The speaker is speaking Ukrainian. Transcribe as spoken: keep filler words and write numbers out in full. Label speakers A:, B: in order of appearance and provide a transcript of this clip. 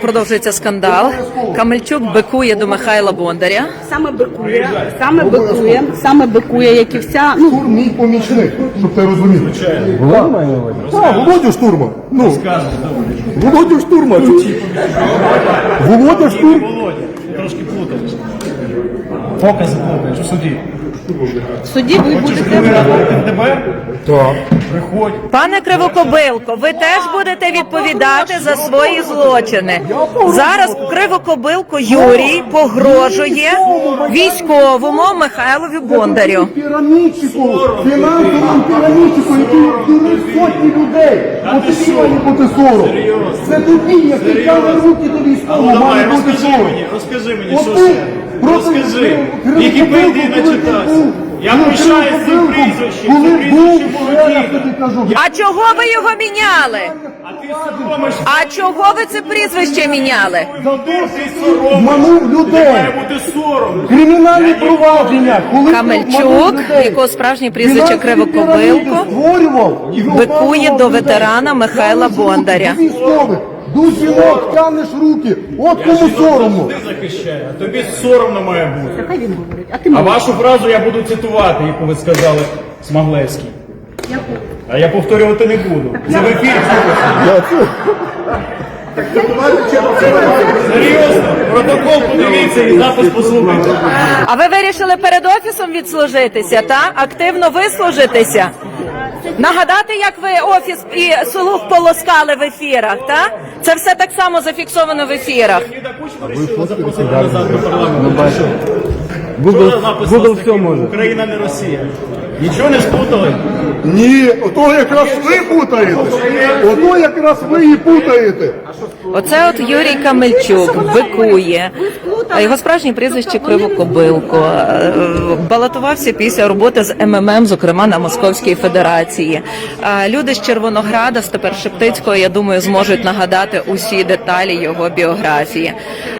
A: продовжується скандал. Камельчук бикує до Михайла Бондаря.
B: Саме бикує, саме бикує, саме бикує, як і вся. Ну,
C: Штурм мій помічник, щоб ти розумів. Володя має на увазі? Так, Володя Штурма. Ну, Володя Штурма. Володя Штурм.
D: Володя, ти трошки плутаєш. Покази плутаєш у суді.
B: в суді ви будете.
D: Виявити в ДБР?
C: Так.
D: Приходь.
A: Пане Кривокобилко, ви теж будете відповідати за свої злочини. Зараз Кривокобилко Юрій погрожує військовому Михайлові Бондарю.
C: Пірамідчику, фінансовому пірамідчику, який дурив сотні людей. От тобі має бути сором. Це тобі, як ти тягне руки до військового, має бути
D: Розкажи
C: сором.
D: мені, розкажи мені,
C: От
D: що
C: ти
D: ще?
C: проти
D: Розкажи.
C: Кривокобилку,
D: Вікіпедії
C: коли ти
D: начитався.
C: був,
D: Я
C: коли
D: пишаюсь цим
C: Кривокобилком,
D: прізвищем,
C: коли
D: це
C: був,
D: прізвище
C: ще я
D: Володіна.
C: тобі кажу.
A: А чого ви його міняли?
D: А ти соромиш.
A: А чого ви це прізвище міняли?
D: Ти соромиш.
C: Обманув людей.
D: Має бути сором.
C: Кримінальні провадження, коли
A: Камельчук, якого справжнє прізвище Кривокобилко, бикує до ветерана Михайла Бондаря.
C: До жінок тянеш руки, от кому соромно.
D: Ти захищаєш, а тобі соромно має бути.
B: Хай він говорить, а ти
D: А
B: мовчи.
D: вашу фразу я буду цитувати, яку ви сказали, Смаглевський. А я повторювати не буду. Це в ефірі. Серйозно, протокол подивіться і запис послухайте.
A: А ви вирішили перед офісом відслужитися, та? Активно вислужитися? Нагадати, як ви офіс і слух полоскали в ефірах, та? Це все так само зафіксовано в ефірах.
D: Ліда Кучма вирішила запросити назад до парламенту. Google, Google все може. Україна не Росія. Нічого не сплутали?
C: Ні, ото якраз ви путаєте. Ото якраз ви і путаєте.
A: Оце от Юрій Камельчук бикує. А його справжнє прізвище Кривокобилко. Е, Балотувався після роботи з Ем Ем Ем, зокрема на Московській Федерації. А люди з Червонограда, з тепер Шептицького, я думаю, зможуть нагадати усі деталі його біографії.